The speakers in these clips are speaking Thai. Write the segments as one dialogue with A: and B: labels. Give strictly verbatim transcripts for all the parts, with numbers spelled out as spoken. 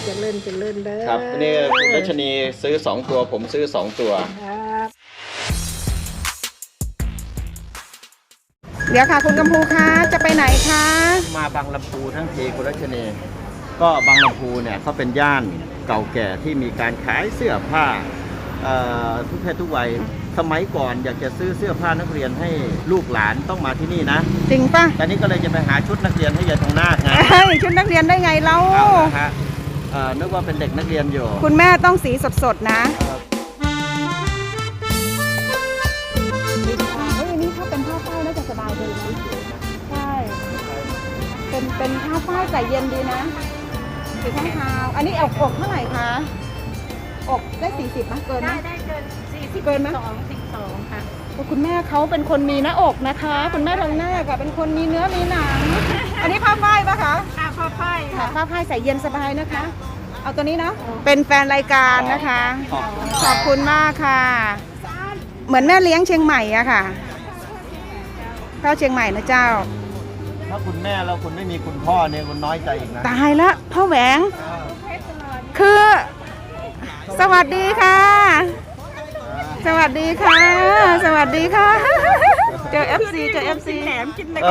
A: จะเล่นจะเล่นเด้อ
B: ครับนี่คุณรัชนีซื้อสองตัวผมซื้อสองตัว
A: ครับ
C: เดี๋ยวค่ะคุณกำพูคะจะไปไหนคะ
B: มาบางลำพูทั้งทีคุณรัชนีก็บางลำพูเนี่ยเขาเป็นย่านเก่าแก่ที่มีการขายเสื้อผ้าทุกเพศทุกวัยสมัยก่อนอยากจะซื้อเสื้อผ้านักเรียนให้ลูกหลานต้องมาที่นี่นะ
C: จริงป่ะ
B: ตอนนี้ก็เลยจะไปหาชุดนักเรียนให้ยายทองนาคไง
C: ชุดนักเรียนได้ไงเรา
B: ฮะนึกว่าเป็นเด็กนักเรียนอยู่
C: คุณแม่ต้องสีสดๆนะเฮ้ยนี่ถ้าเป็นผ้าฝ้ายน่าจะสบายดีนะใช่เป็นเป็นผ้าฝ้ายใส่เย็นดีนะสีข้างเท้าอันนี้อกอกเท่าไหร่คะอกได้สี่สิบไหมเกินไหม
A: ได้ได้เกินสี่สิบ
C: เกินไหม
A: สองสิบสองค่ะ
C: คุณแม่เขาเป็นคนมีหน้าอกนะคะคุณแม่ทองนาคเป็นคนมีเนื้อมีหนังอันนี้ผ้าฝ้ายปะคะ
A: ค่ะผ้าฝ้าย
C: ค่ะผ้าฝ้ายใส่เย็นสบายนะคะเอาตัวนี้นะเป็นแฟนรายการนะคะขอบคุณมากค่ะเหมือนแม่เลี้ยงเชียงใหม่อะค่ะเข้าเชียงใหม่นะเจ้า
B: ถ้าคุณแม่แล้วคุณไม่มีคุณพ่อเนี่ยคุณน้อยใจอีกนะ
C: ตายละพ่อแหวงคือสวัสดีค่ะสวัสดีค่ะสวัสดีค่ะเจอ เอฟ ซี เจอ เอฟ ซี
A: แหนมกินอะไร
C: ก็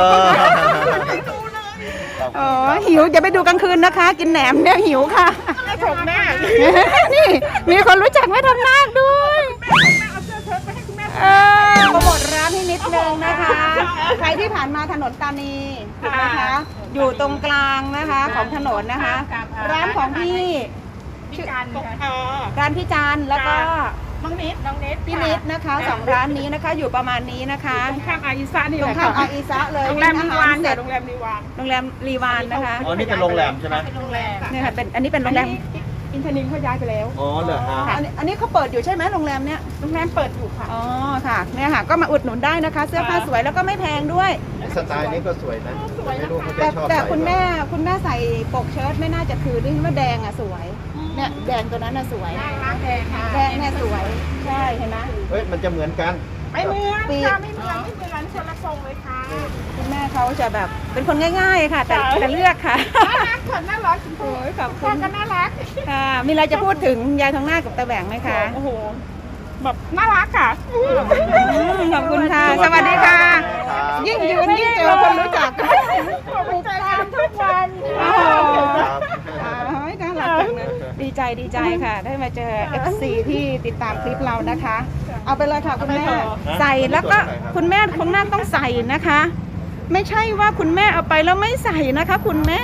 C: อ๋อหิวจะไปดูกลางคืนนะคะกินแหนมเนี่ยหิวค่ะ
A: ไม่ถกแม่
C: นี่มีคนรู้จักแม่ทองนาคด้วยเออโปรโมทร้านให้นิดนึงนะคะใครที่ผ่านมาถนนตานีนะคะอยู่ตรงกลางนะคะของถนนนะคะร้านของพี่
A: พี่จัน
C: อ๋อร้านพี่จันแล้วก็
A: น้องนิดน้องนิด
C: พี่นิดนะคะสองร้านนี้นะคะอยู่ประมาณนี้นะคะ
A: ตรงข้ามอาอิซะนี่
C: ตรงข้ามอาอิซะเลย
A: โรงแรมรีวานโรงแรมรีวาน
C: โรงแรมรีวานนะคะ
B: อ๋อนี่เป็นโรงแรมใช่ไหม
A: เป็นโรงแรม
C: เนี่ยค่ะเป็นอันนี้เป็นโรงแรม
A: อินทนินเขาย้ายไปแล้ว
B: อ๋อเหรอฮะ
C: อันนี้เขาเปิดอยู่ใช่ไหมโรงแรมเนี้ย
A: โรงแรมเปิดอยู่ค่ะ
C: อ๋อค่ะเนี่ยค่ะก็มาอุดหนุนได้นะคะเสื้อผ้าสวยแล้วก็ไม่แพงด้วย
B: สไตล์นี้ก็สวยนะไม่รู้เขาจะชอบ
C: แต่คุณแม่คุณแม่ใส่ปกเชิ้ตไม่น่าจะคือด้วยว่าแดงอ่ะสวยเนี่ยแดงตัวนั้นน่ะสวย
A: แดงค่ะ
C: แดงเนี่ยสวยใช่เห็นไหม
B: เฮ้ยมันจะเหมือนกัน
A: ไม่เหมือนค่ะไม่เหมือนไม่เหมือนคนละทรงเลยค่ะ
C: คุณแม่เขาจะแบบเป็นคนง่ายๆค่ะแต่แต่เลือกค่ะ
A: น่ารักค่ะน่ารักโอ้ยขอบคุณก็น่ารัก
C: ค่ะมีอะไรจะพูดถึงยายทองนาคกับตาแหวงไหมคะ
A: โอ้โหแบบน่ารักค่ะ
C: ขอบคุณค่ะสวัสดีค่ะยิ่งยืนยิ่งเจอคนรู้จัก
A: ติดตามทุกวัน
C: โอ้โหน่ารักจังเลยดีใจดีใจค่ะได้มาเจอ เอฟ ซี ที่ติดตามคลิปเรานะคะเอาไปเลยค่ะคุณแม่ใส่แล้วก็คุณแม่คุณนาคต้องใส่นะคะไม่ใช่ว่าคุณแม่เอาไปแล้วไม่ใส่นะคะคุณแม่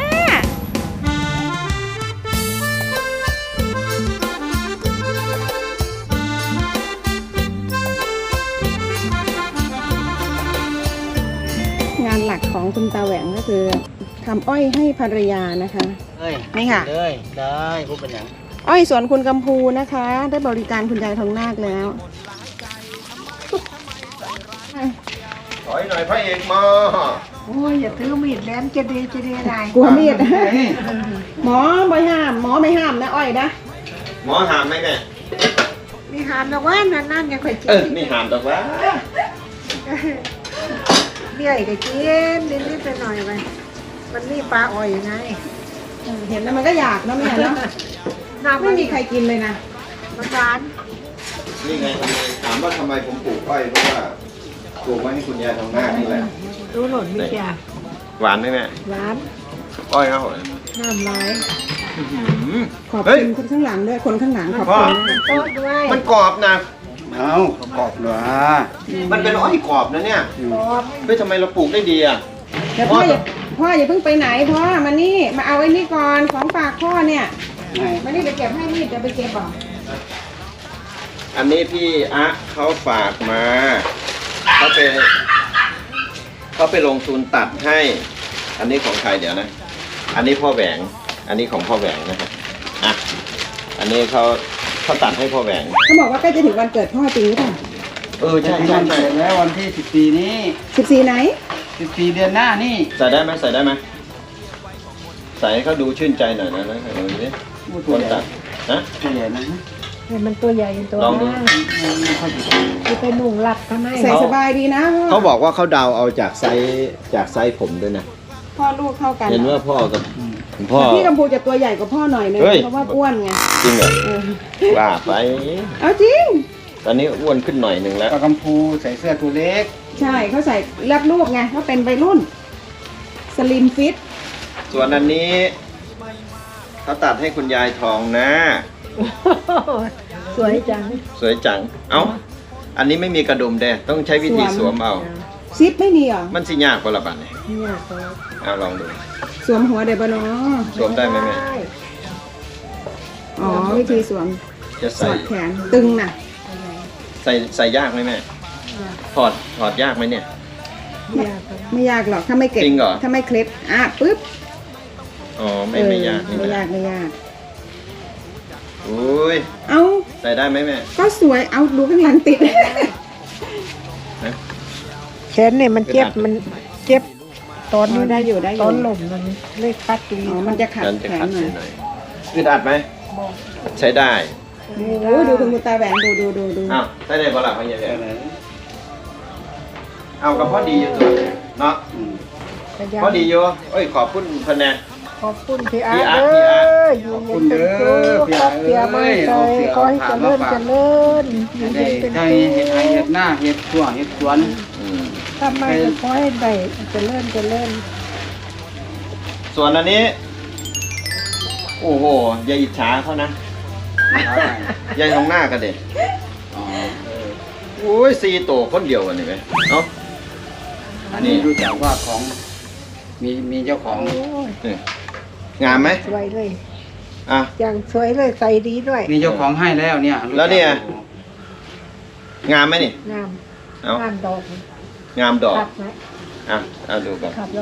C: งานหลักของคุณตาแหวงก็คือทำอ้อยให้ภรรยานะคะนี่ค่ะ
B: เลยได้พูดเป็นอย่าง
C: อ้อยสวนคุณกำพูนะคะได้บริการคุณยายทองนาคแล้ว
B: ถอยหน่อยพระเอกมา
A: โอ้ยอย่าถือมีดแหลมจะดีจะดีอะไร
C: กลัวมีดหมอไม่ห้ามหมอไม่ห้ามนะอ้อยนะ
B: หมอห้ามไหมแม่
A: มีห้ามแต่ว่านั่นนั่นยังเคยกิน
B: เออมีห้ามแต่ว่า
A: เบี้ยก็กินนิดๆไปหน่อยไปมันนี่ปลาอ่อยยังไง
C: เห็นแล้วมันก็อยากนะแม่เนาะไม่มีใครกินเลยนะ
A: มันหวาน
B: นี่ไงถามว่าทำไมผมปลูกอ้อยเพราะว่าปลูกไว้ให้คุณยายทองนาคนี่แหละ
A: รู้หล่นไม่จ้ะ
B: หวานไหมแม่
A: หวาน
B: อ้อยครับผม
A: น้ำลาย
C: ขอบคุณคนข้างหลังด้วยคนข้างหลังขอบคุณ
A: โต๊ะด้วย
B: มันกรอบนะ
D: เอากรอบเหรอ
B: มันเป็นอ้อยกรอบนะเนี่ยเฮ้ยทำไมเราปลูกได้ดีอ่ะ
C: เดี๋ยวพ่ออย่าพ่ออย่าเพิ่งไปไหนพ่อมานี่มาเอาไอ้นี่ก่อนของฝากพ่อเนี่ยมานี่ไปเก็บให้นี่จะไปเก็บบ่
B: อันนี้พี่อะเขาฝากมาเขาไปเขาไปลงทุนตัดให้อันนี้ของใครเดี๋ยวนะอันนี้พ่อแหวงอันนี้ของพ่อแหวงนะครับอ่ะอันนี้เขาเขาตัดให้พ่อแหวง
C: เขาบอกว่าใกล้จะถึงวันเกิดพ่อจริงหรือเปล่า
B: เออใช่ใช่ใช่
D: แล้ววันที่สิบสี่นี้
C: สิบสี่ไหน
D: สิบสี่เดือนหน้านี่
B: ใส่ได้ไหมใส่ได้ไหมใส่ให้เขาดูชื่นใจหน่อยนะนะลองดูดิคนตัดนะ
D: ตัวใหญ่นะ
A: มันตัวใหญ่ตัว
B: ลองดู
A: จะไปหนุ่งหลับทำไม
C: ใส่สบายดีนะ
B: เขาบอกว่าเขาเดาเอาจากไซส์จากไซส์ผมด้วยนะ
C: พ่อลูกเท่ากัน
B: เห็นว่าพ่อกับคุณพ่อ
C: พี่กัมพูจะตัวใหญ่กว่าพ่อหน่อยนึง
B: เฮ้ย
C: เพราะว่าอ้วนไง
B: จริงเหรอ
C: เออ
B: ว่าไป
C: เอาจริง
B: ตอนนี้อ้วนขึ้นหน่อยหนึ่งแล้ว
D: ปลากำพูใส่เสื้อตัวเล็ก
C: ใช่เขาใส่รับลูกไงเขาเป็นวัยรุ่นสลิมฟิต
B: ส่วนอันนี้เขาตัดให้คุณยายทองนะ
A: สวยจัง
B: สวยจัง เอ้า อันนี้ไม่มีกระดุมเด้ต้องใช้วิธีสวมเอา
C: ซิปไม่มีเหรอ
B: มันสิยากกว่าละบัดเนี่ย
A: เนี่ยสวย
B: เอาลองดู
C: สวมหัวเดบเนาะ
B: สวมได้ไหมแม่
C: อ๋อวิธีสวม
B: จะ
C: ส
B: ใส่
C: อดแขนตึงน่ะ
B: ใส่ใส่ยากไหมแม่ ถอดถอดยากไหมเนี่ย
A: เนี่ยสวย
C: ไม่ยากหรอกถ้าไม่เก็บ
B: จริงเหรอ
C: ถ้าไม่เคล็ดอ่ะปึ๊บ
B: อ๋อ ไม่ไม่ยาก
C: เออ
B: นี่
C: ไม่
B: นะ
C: ยากไม่ยาก
B: อุ้ย
C: เอา
B: ใส่ได้ไหมแม่
C: ก็สวยเอาดูข้างหลังติด
A: แขนเนี่ยมันเจ็บมันเจ็บตอน
C: อ๋
A: นี้
C: อได้อยู่ได้อยู่
A: ตอนหล่มมันเลยคัดตรง
C: อ๋อ
A: นี้
C: มันจะขัด
B: ฉันจะ
C: แข
B: ขั
C: น
B: ด
C: หน่อย
B: หน่อยอึดอัดไหม ใช้ได้
C: โอ้โหดูคุณตาแหวนดูดูดูดู
B: อ้าวใช้ได้ปะล่ะพ่อใหญ่เอากับพ่อดีอยู่ตัวเนาะ
D: อืม
B: พอดีอยู่เอ้ย ขอบคุณพะแนน
A: ขอบคุณพี่อา
B: พี่อาร์ต
A: เด้
B: พี่อาร์ต
A: ออยู่เย็นเป็นสุขครอบเสียมาใจขอให้เจริญเจริญอยู่
D: ได้
A: เย็นเป็น
D: ได้
A: สุ
D: เห็ดไอ
A: ข
D: เห็ดหน้าเห็ดตัวเห็ดสวน
B: อืม
A: ทำไมก็ขอให้ได้เจริญเจริญ
B: ส่วนอันนี้ โอ้โห อย่าอิจฉาเขานะยายทองหน้ากันเด็
D: อ๋อ
B: โอ้ยซีโตคนเดียวกันนี่ไหมเนาะ
D: อันนี้รู้จักว่าของมีมีเจ้าของ
A: โอ้ย
B: นี่งามไหม
A: สวยเลย
B: อ่ะ
A: อย่างสวยเลยใส่ดีด้วย
D: มีเจ้าของให้แล้วเนี่ยรู้จัก
B: แล้วเนี่ย งามไหมนี่
A: งาม
B: เอา
A: งามดอก
B: งามดอก
A: ขับไหม
B: อ่ะเอาดูก่อน
A: ขับแล้ว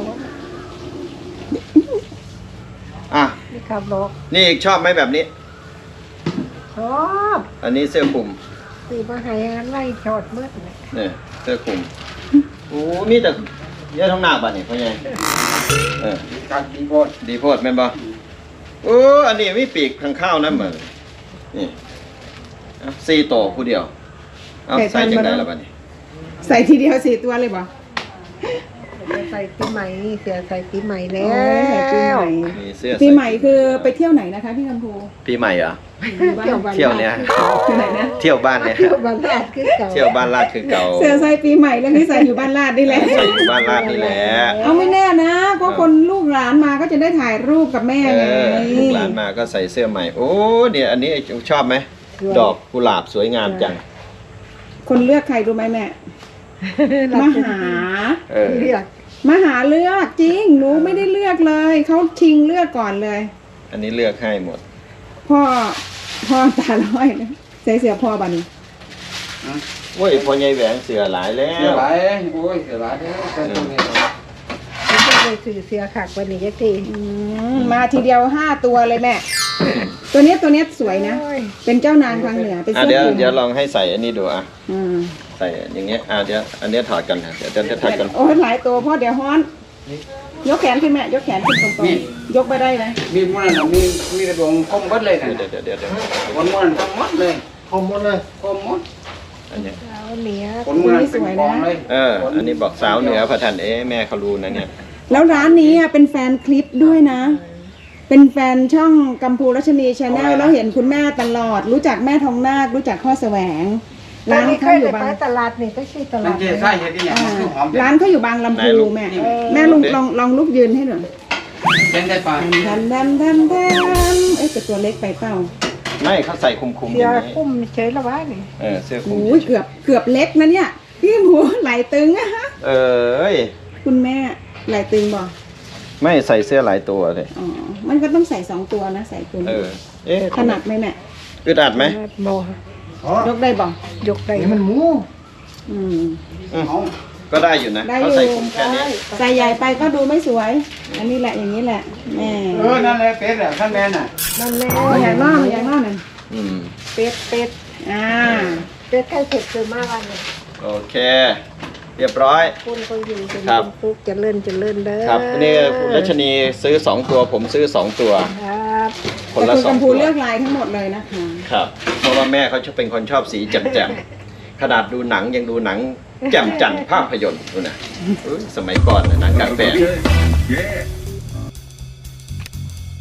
B: อ่ะ
A: นี่ขับดอก
B: นี่อีกชอบไหมแบบนี้
A: ชอบ
B: อันนี้เสื้อคลุม
A: สีมาให้งานไล่ชอดมืดเลย
B: เนี่ยเสื้อคลุมโอ้มีแต่เยอะท้องหน้าบ้านนี่พ่อใหญ่เออ
D: การดีโพด
B: ดีโพดแม่นบ่โอ้อันนี้มีปีกข้างข้าวนะเหมือนนี่เอาสี่โตวผู้เดียว เอาใส่จังไดแล้วบัดนี้
C: ใส่ทีเดียวสี่ตัวเลยบ่
A: จะใส่ปีใหม่นี่เสือใส่ปีใหม่แล้
C: โอ้ยใส่ปีใหม่
A: ว
B: มีเสื้อ
C: ปีใหม่คือไปเที่ยวไหนนะคะพี่กัมพู
B: ปีใหม่เหรอ
A: เที่ยวบ้าน
B: เที่ยวเนี้ย
C: ที่ไหนนะ
B: เที่ยวบ้านเนี่ย
A: เที่ยวบ้านแรกคือเก่า
B: เที่ยวบ้านลาดคือเก่า
C: เสื้อใส่ปีใหม่แล้วที่ใส่อยู่บ้านลาดนี่แหละ
B: ใส่อยู่บ้านลาดนี่แหละ
C: เอาไม่แน่นะก็คนลูกหลานมาก็จะได้ถ่ายรูปกับแม่
B: เอ
C: ไง
B: อลูกหลานมาก็ใส่เสื้อใหม่ โอ้เนี่ยอันนี้ชอบไหมดอกกุหลาบสวยงามจัง
C: คนเลือกใครรู้ไหมแม่มาหา
B: เออ
A: เรียก
C: มาหาเลือกจริงหนูไม่ได้เลือกเลยเขาชิงเลือกก่อนเลย
B: อันนี้เลือกให้หมด
C: พ่อพ่อตาน้อยนะใส่เสื้อพ่อบัดน
B: โอ้ยพอใหญ่แหวงเสือหลายแล้
D: เสียว หลายโอ้ยเสียหลายเด้อแต่ตัวนี้
A: ไม่ใช่เลยสื่อเสียขักวันนี้ยักที
C: อืมมาทีเดียวห้าตัวเลยแม่ ตัวเนี้ยตัวเนี้ยสวยนะ
A: โอ้ย
C: เป็นเจ้านางทางเหนือเป็น
B: อ่ะ
C: เสื้อ
B: เดี๋ยว
C: คลุม
B: เดี๋ยวลองให้ใส่อันนี้ดูอ่ะ
C: อืม
B: ใส่อย่างเงี้ยอ่ะเดี๋ยวอันเนี้ยถอดกันนะเดี๋ยวจะจะถอดกัน
C: โอ้ยหลายตัวพ่อเดี๋ยวฮ้อน ยกแขนขึ้นแม่ยกแขนขึ้นตรงๆยกไปได้ไหม
D: มีมันน่ะมีมีกระดวงคมหมดเลยนะ
B: เดี๋ยวเดี๋ยวเดี๋ยวเดี๋ยว
D: คนมันคมหมดเลยคมหมดเลยคมหมด
B: อันเนี้ย
A: เอาเหนีย
D: คนมันเป็นกองเลย
B: เออ อันนี้บอกสาวเหนือพระทันเอ๊ะแม่เขารู้นะเนี่ย
C: แล้วร้านนี้อ่ะเป็นแฟนคลิปด้วยนะ เป็นแฟนช่องกัมพูรัชนีชาแนลแล้วเห็นคุณแม่ตลอด รู้จักแม่ทองนาครู้จักข้อแสวง
A: ร้า
C: ร้าน น
A: นี้เค
C: เขา
A: ย
C: อยู่
A: ไป
C: บาง
A: ตลาดนี่ก็ชื่อต
D: มั
A: ลาน ด
D: เจ๊ไส้เห็ดนี่เนี่ย
C: อ่า
D: มันคือหอม
C: ร้านเขาอยู่บางลำพูแม่แม่ลุงลองลองลุกยืนให้หน่อย
D: เป็นได้ปลา
C: แทมแทมแทมแทมเอ๊ะแต่ตัวเล็กไปเปล่า
B: ไม่เขาใส่คุมคุมๆอ
A: เสีย
B: ย่างนี้
A: คุ้มเฉยละวะนี่
B: เออเสื้อคุม
C: โอ้ยเกือบเกือบเล็กนะเนี่ยพี่หมูไหลตึงอะฮะ
B: เออเอ้ย
C: คุณแม่ไหลตึงบ่
B: ไม่ใส่เสื้อหลายตัวเลย
C: อ๋อมันก็ต้องใส่สองตัวนะใส่คุณ
B: เออ เอ๊ะ
C: ถนัดไหมแม่
B: อึดอัดไหม
A: โม
C: ยกได้บ่
A: ยกได้
D: นี่มันหมู
C: อืม
B: อืม
D: เอา
B: ก็ได้อยู่นะ
C: ได้อ
B: เขา
C: ยู่
B: ใส่คุมแค่นี้
C: ใส่ใหญ่ไปก็ดูไม่สวย อันนี้แหละอย่างนี้แหละแม่
D: เออนั่นแหละเป็ดอ่ะข้างแม่น่ะ
A: นั่นแหละ
C: มันใหญ่มากมันใหญ่มากนั่น
B: อืม
A: เป็ดเป็ด
C: อ่า
A: เป็ดไข่เผ็ดคือมากวันนี้
B: โอเค เรียบร้อย
A: คุณก็อยู่เป็น
B: ครับ
A: ฟุกจะเลื่อนจะเลื่อนเด้อ
B: ครับนี่รัชนีซื้อสองตัว ผมซื้อสองตัว
A: ครับ
B: คน
C: แต่
B: ละ
C: คุณ
B: สอง
C: กัมพู
B: ตัว
C: เลือกลายทั้งหมดเลยนะคะ
B: ครับ เพราะว่าแม่เขาชอบเป็นคนชอบสีแจ่มๆ ขนาดดูหนังยังดูหนังแจ่มจันทร์ภาพยนตร์ดูนะอุ๊ยสมัยก่อนน่ะหนังกลางแปลง